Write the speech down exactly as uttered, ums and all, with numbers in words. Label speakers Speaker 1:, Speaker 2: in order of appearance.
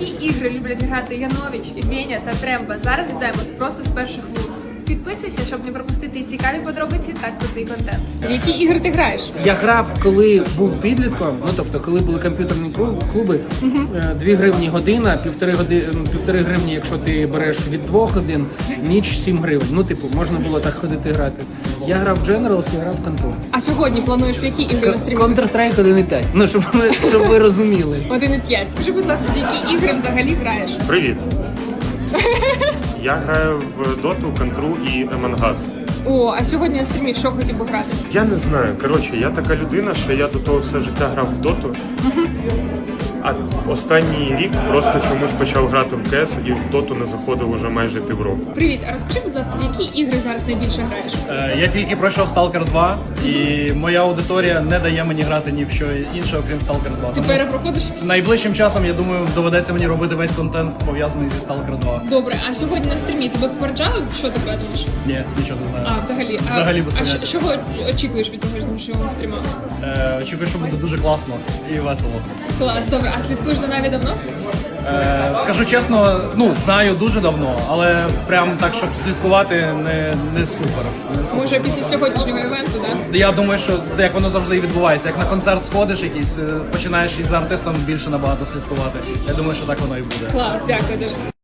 Speaker 1: які ігри люблять грати Янович, Веня та Тремба? Зараз дізнаємось просто з перших вуст. Підписуйся, щоб не пропустити цікаві подробиці та крутий контент. В які ігри ти граєш?
Speaker 2: Я грав, коли був підлітком, ну тобто, коли були комп'ютерні клуби, uh-huh. дві гривні година, півтори години, півтори гривні, якщо ти береш від двох годин, ніч сім гривень. Ну, типу, можна було так ходити грати. Я грав в Generals, я грав в Control.
Speaker 1: А сьогодні плануєш в які ігри на стрімі?
Speaker 2: Counter-Strike один і п'ять. Ну, щоб ви, щоб ви розуміли.
Speaker 1: один і п'ять. Скажи, будь ласка, в які ігри взагалі граєш?
Speaker 3: Привіт. Я граю в Доту, Контру і Among Us.
Speaker 1: О, а сьогодні на стрімі що хотів би грати?
Speaker 3: Я не знаю. Коротше, я така людина, що я до того все життя грав в Доту. А останній рік просто чомусь почав грати в КС і в Доту не заходив уже майже півроку.
Speaker 1: Привіт, а розкажи, будь ласка, в які ігри зараз найбільше граєш?
Speaker 4: Е, Я тільки пройшов Сталкер два, і моя аудиторія не дає мені грати ні в що інше, окрім Сталкер два.
Speaker 1: Ти
Speaker 4: Тому
Speaker 1: перепроходиш?
Speaker 4: найближчим часом, я думаю, доведеться мені робити весь контент, пов'язаний зі Сталкер два.
Speaker 1: Добре, а сьогодні на стрімі тебе попереджали, що ти думаєш?
Speaker 4: Ні, нічого не знаю.
Speaker 1: А, взагалі?
Speaker 4: Взагалі
Speaker 1: а,
Speaker 4: без
Speaker 1: а
Speaker 4: поняття.
Speaker 1: що, чого очікуєш від сьогоднішнього стріма?
Speaker 4: Е, Очікую, що буде дуже класно і весело.
Speaker 1: Клас, добре, а слідкуєш за Наві давно?
Speaker 4: Е, Скажу чесно, ну, знаю дуже давно, але прям так, щоб слідкувати, не, не супер. Не супер.
Speaker 1: Може, після сьогоднішнього івенту, так? Да?
Speaker 4: Я думаю, що як воно завжди і відбувається. Як на концерт сходиш якийсь, е, починаєш із артистом більше набагато слідкувати. Я думаю, що так воно і буде.
Speaker 1: Клас, дякую дуже.